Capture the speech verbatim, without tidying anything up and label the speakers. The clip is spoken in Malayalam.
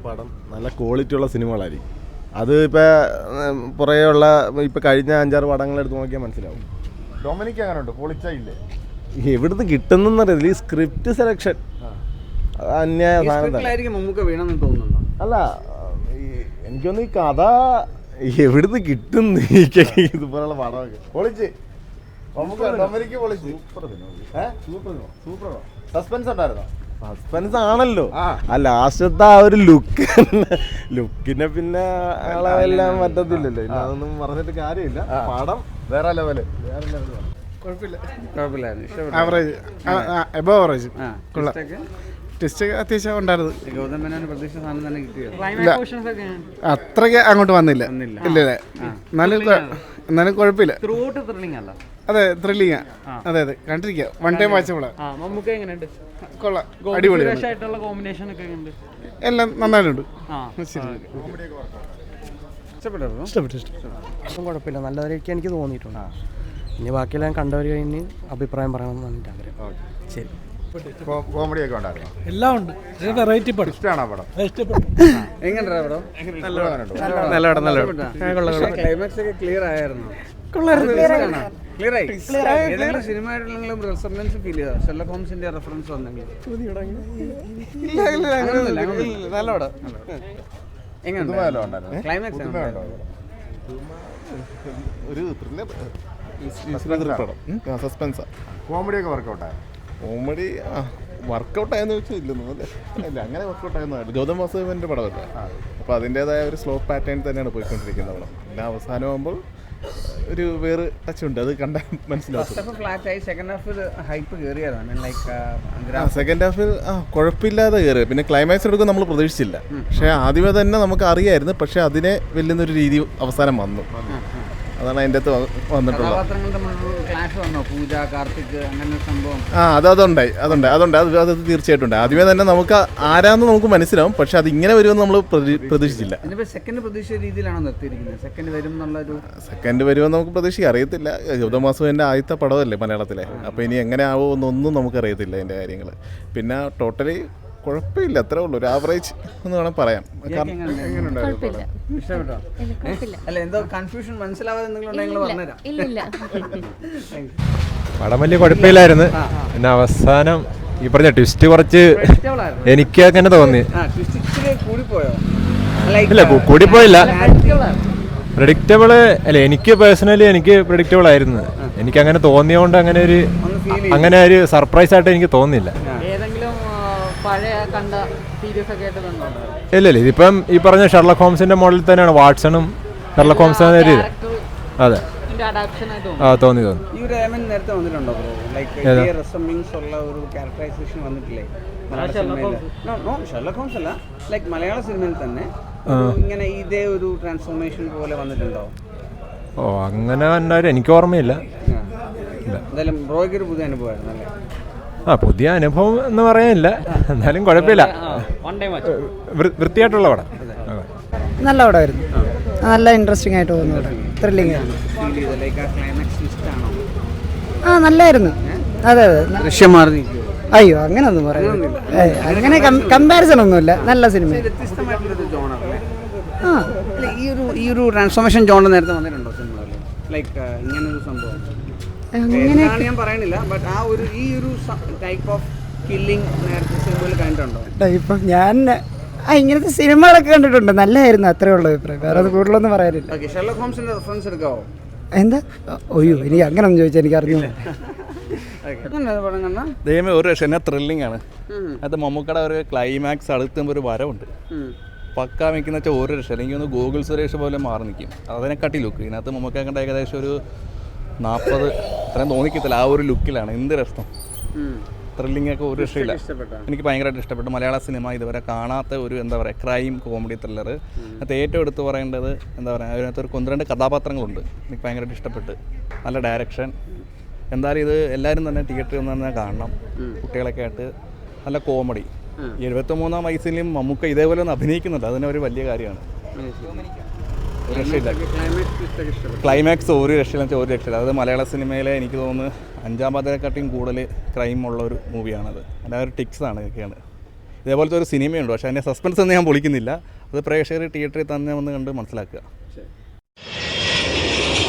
Speaker 1: പടം നല്ല ക്വാളിറ്റിയുള്ള സിനിമകളായിരിക്കും. അത് ഇപ്പോൾ പുറകെയുള്ള ഇപ്പോൾ കഴിഞ്ഞ അഞ്ചാറ് പടങ്ങളെടുത്ത് നോക്കിയാൽ മനസ്സിലാവും.
Speaker 2: ഡൊമിനിക് അങ്ങനെ ഉണ്ട്, പൊളിച്ചില്ലേ?
Speaker 1: എവിടുന്ന് കിട്ടുന്നറിയില്ല. ഈ സ്ക്രിപ്റ്റ് സെലക്ഷൻ അന്യായ സാധനം. അല്ല, എനിക്കൊന്ന് ഈ കഥ എവിടുന്ന് കിട്ടുന്നു ഇതുപോലുള്ള പടമൊക്കെ.
Speaker 2: പൊളിച്ച് ഡൊമിനിക്ക് പൊളിച്ച്. സൂപ്പർ സസ്പെൻസ് ഉണ്ടായിരുന്നോ?
Speaker 1: സസ്പെൻസ് ആണല്ലോ. ആ ലാസ്റ്റത്തെ ആ ഒരു ലുക്ക് ലുക്കിനെ പിന്നെ ആളെല്ലാം പറ്റത്തില്ലല്ലോ. ഇല്ല, അതൊന്നും പറഞ്ഞിട്ട് കാര്യമില്ല. പടം
Speaker 2: വേറെ ലെവല്.
Speaker 3: ടെസ്റ്റ് അത്യാവശ്യം ഉണ്ടായിരുന്നു. അത്രയ്ക്ക് അങ്ങോട്ട് വന്നില്ല. ഇല്ല എന്നാലും എന്നാലും കുഴപ്പമില്ല. അതെ, ത്രില്ലിങ്ങാ. അതെ അതെ, കണ്ടിരിക്കാം. വൺ ടൈം വാച്ചബിളാ. കൊള്ളാം, അടിപൊളിയാണ്. എല്ലാം നന്നായിട്ടുണ്ട്.
Speaker 4: കുഴപ്പമില്ല, നല്ലതായിരിക്കും എനിക്ക് തോന്നിയിട്ടുണ്ട്. ഇനി ബാക്കിയെല്ലാം കണ്ടവർ കഴിഞ്ഞ് അഭിപ്രായം പറയണമെന്നാണ് എൻ്റെ ആഗ്രഹം. ശരി.
Speaker 2: കോമഡി ഒക്കെ ഉണ്ടായിരുന്നു.
Speaker 5: എല്ലാം ഉണ്ട്. വെറൈറ്റി പടം.
Speaker 2: ഇഷ്ടമാണോ പടം?
Speaker 4: എങ്ങനെയുണ്ടാ പടം?
Speaker 6: ക്ലൈമാക്സ് ഒക്കെ ക്ലിയർ ആയിരുന്നു. സിനിമയായിട്ടുള്ള റെസൊണൻസ് ഫീൽ ചെയ്താ? ഷെർലക് ഹോംസിന്റെ റെഫറൻസ് വന്നെങ്കിൽ
Speaker 4: നല്ല പടം.
Speaker 6: എങ്ങനെ ക്ലൈമാക്സ്
Speaker 1: ഒരു സസ്പെൻസാ.
Speaker 2: കോമഡി ഒക്കെ വർക്കൗട്ടായി?
Speaker 1: കോമഡി വർക്കൗട്ടായെന്ന് വെച്ചാൽ ഇല്ലെന്നു അല്ലേ? അല്ല, അങ്ങനെ വർക്കൗട്ടായെന്നാണ്. ഗൗതം വാസുദേവൻ്റെ പടമല്ലേ, അപ്പോൾ അതിൻ്റേതായ ഒരു സ്ലോ പാറ്റേൺ തന്നെയാണ് പോയിക്കൊണ്ടിരിക്കുന്നത് പടം. പിന്നെ അവസാനമാകുമ്പോൾ ഒരു വേറെ ടച്ച് ഉണ്ട്, അത് കണ്ടാൽ മനസ്സിലാവും. സെക്കൻഡ് ഹാഫിൽ ആ കുഴപ്പമില്ലാതെ കയറി. പിന്നെ ക്ലൈമാക്സ് എടുക്കും നമ്മൾ പ്രതീക്ഷിച്ചില്ല. പക്ഷേ ആദ്യമേ തന്നെ നമുക്ക് അറിയായിരുന്നു. പക്ഷേ അതിനെ വെല്ലുന്നൊരു രീതി അവസാനം വന്നു. അതാണ് അതിൻ്റെ അകത്ത് വന്നിട്ടുള്ളത്. ആ അത് അതുണ്ടായി അതുണ്ടായി അതുണ്ട് അത് അത് തീർച്ചയായിട്ടും ഉണ്ട്. ആദ്യമേ തന്നെ നമുക്ക് ആരാന്ന് നമുക്ക് മനസ്സിലാവും. പക്ഷെ അത് ഇങ്ങനെ വരുമെന്ന് നമ്മൾ പ്രതീക്ഷിച്ചില്ല. സെക്കൻഡ് വരുമെന്ന് നമുക്ക് പ്രതീക്ഷിക്കാം, അറിയത്തില്ല. ഗൗതം വാസുദേവൻ്റെ ആദ്യത്തെ പടമല്ലേ മലയാളത്തിലെ, അപ്പോൾ ഇനി എങ്ങനെ ആവുമെന്നൊന്നും നമുക്കറിയത്തില്ല അതിൻ്റെ കാര്യങ്ങൾ. പിന്നെ ടോട്ടലി കുഴപ്പമില്ല, അത്രേ ഉള്ളൂ. ഒരു ആവറേജ് എന്ന് വേണം പറയാം.
Speaker 7: പടം വലിയ കുഴപ്പമില്ലായിരുന്നു. പിന്നെ അവസാനം ഈ പറഞ്ഞ ട്വിസ്റ്റ് കുറച്ച് എനിക്ക് അങ്ങനെ തോന്നി. ഇല്ല, കൂടിപ്പോയില്ല. പ്രെഡിക്റ്റബിള് അല്ല, എനിക്ക് പേഴ്സണലി എനിക്ക് പ്രെഡിക്റ്റബിൾ ആയിരുന്നു. എനിക്ക് അങ്ങനെ തോന്നിയോണ്ട് അങ്ങനെ ഒരു അങ്ങനെ ഒരു സർപ്രൈസ് ആയിട്ട് എനിക്ക് തോന്നിയില്ല. ഇല്ല ഇല്ല, ഇതിപ്പം ഈ പറഞ്ഞ ഷെർലക് ഹോംസിന്റെ മോഡലിൽ തന്നെയാണ്. വാട്സണും ഷെർലക് ഹോംസ് അതെ ആ തോന്നി തോന്നി.
Speaker 6: മലയാള സിനിമയിൽ തന്നെ ഇങ്ങനെ ഇതേ ഒരു ട്രാൻസ്ഫോർമേഷൻ പോലെ വന്നിട്ടുണ്ടോ?
Speaker 7: ഓ അങ്ങനെ ഉണ്ടായിരുന്നു, എനിക്ക് ഓർമ്മയില്ല.
Speaker 6: എന്തായാലും ബ്രോയ്ക്ക് ഒരു പുതിയ അനുഭവമായിരുന്നു അല്ലേ?
Speaker 7: ആ പുതിയ അനുഭവം എന്ന് പറയാനില്ല, എന്നാലും കുഴപ്പമില്ല. വൃത്തിയായിട്ടുള്ള പടം,
Speaker 8: നല്ല പടമായിരുന്നു. നല്ല ഇൻട്രസ്റ്റിംഗ് ആയിട്ട് തോന്നുന്നു. ത്രില്ലിംഗ് ആ നല്ലായിരുന്നു. അതെ അതെ. അയ്യോ അങ്ങനെയൊന്നും പറയുന്നില്ല, അങ്ങനെ കമ്പാരിസൺ ഒന്നുമില്ല. നല്ല സിനിമ.
Speaker 6: ആ ഈ ഒരു ഈ ഒരു ട്രാൻസ്ഫോർമേഷൻ ജോൺ നേരത്തെ വന്നിട്ടുണ്ടോ സിനിമയിൽ? ലൈക്ക് ഇങ്ങനൊരു സംഭവം അങ്ങനെയാണ് ഞാൻ പറയണില്ല, ബട്ട് ആ ഒരു ഈ ഒരു ടൈപ്പ് ഓഫ് കില്ലിംഗ് നേരത്തെ സിനിമയിൽ കണ്ടിട്ടുണ്ടോ?
Speaker 8: ടൈപ്പ് ഞാൻ ഇങ്ങനത്തെ സിനിമകളൊക്കെ കണ്ടിട്ടുണ്ട്. നല്ലതായിരുന്നു, അത്രേ ഉള്ളൂ അഭിപ്രായം. വേറെ അത് കൂടുതലൊന്നും പറയാനില്ല.
Speaker 6: ഷെർലക് ഹോംസിന്റെ റെഫറൻസ് എടുക്കാവോ?
Speaker 8: എന്താ? ഒയ്യോ എനിക്ക് അങ്ങനൊന്നും ചോദിച്ചാൽ എനിക്ക് അറിഞ്ഞു.
Speaker 9: ദൈവമേ, ഒരു രക്ഷ എന്നാ ത്രില്ലിംഗ് ആണ് അത്. മമ്മൂക്കയുടെ ഒരു ക്ലൈമാക്സ് അടുത്തുമ്പോൾ ഒരു വരവുണ്ട്, പക്ക വെക്കുന്ന വെച്ചാൽ ഒരു രക്ഷ. അല്ലെങ്കിൽ ഒന്ന് ഗൂഗിൾ സുരേഷ് പോലെ മാറി നിൽക്കും. അതിനെക്കാട്ടി ലുക്ക് ഇതിനകത്ത് മമ്മൂക്ക കണ്ട ഏകദേശം ഒരു നാൽപ്പത് അത്രയും തോന്നിക്കത്തില്ല. ആ ഒരു ലുക്കിലാണ്. എന്ത് രസം, ത്രില്ലിംഗ് ഒക്കെ ഒരു രക്ഷയില്ല. എനിക്ക് ഭയങ്കരമായിട്ട് ഇഷ്ടപ്പെട്ടു. മലയാള സിനിമ ഇതുവരെ കാണാത്ത ഒരു എന്താ പറയുക ക്രൈം കോമഡി ത്രില്ലർ. അതിനകത്ത് ഏറ്റവും എടുത്ത് പറയേണ്ടത് എന്താ പറയുക, അതിനകത്ത് ഒരു ഒന്ന് രണ്ട് കഥാപാത്രങ്ങളുണ്ട്, എനിക്ക് ഭയങ്കരമായിട്ട് ഇഷ്ടപ്പെട്ട്. നല്ല ഡയറക്ഷൻ. എന്തായാലും ഇത് എല്ലാവരും തന്നെ തിയേറ്ററിൽ നിന്ന് തന്നെ കാണണം, കുട്ടികളൊക്കെ ആയിട്ട്. നല്ല കോമഡി. എഴുപത്തി മൂന്നാം വയസ്സിലും മമ്മൂക്ക ഇതേപോലെ ഒന്ന് അഭിനയിക്കുന്നുണ്ട്, അതിന് ഒരു വലിയ കാര്യമാണ്. ഒരു രക്ഷയില്ല. ക്ലൈമാക്സ് ഒരു രക്ഷയില്ല വെച്ചാൽ ഒരു രക്ഷയില്ല. അതായത് മലയാള സിനിമയിലെ എനിക്ക് തോന്നുന്നു അഞ്ചാം പാതിരക്കാട്ടിയും കൂടുതൽ ക്രൈം ഉള്ള ഒരു മൂവിയാണത്. അല്ലാതെ ഒരു ടിക്സാണ് ഇതൊക്കെയാണ്. ഇതേപോലത്തെ ഒരു സിനിമയുണ്ട്. പക്ഷേ അതിൻ്റെ സസ്പെൻസ് ഒന്നും ഞാൻ പൊളിക്കുന്നില്ല. അത് പ്രേക്ഷകർ തിയേറ്ററിൽ തന്നെ വന്ന് കണ്ട് മനസ്സിലാക്കുക.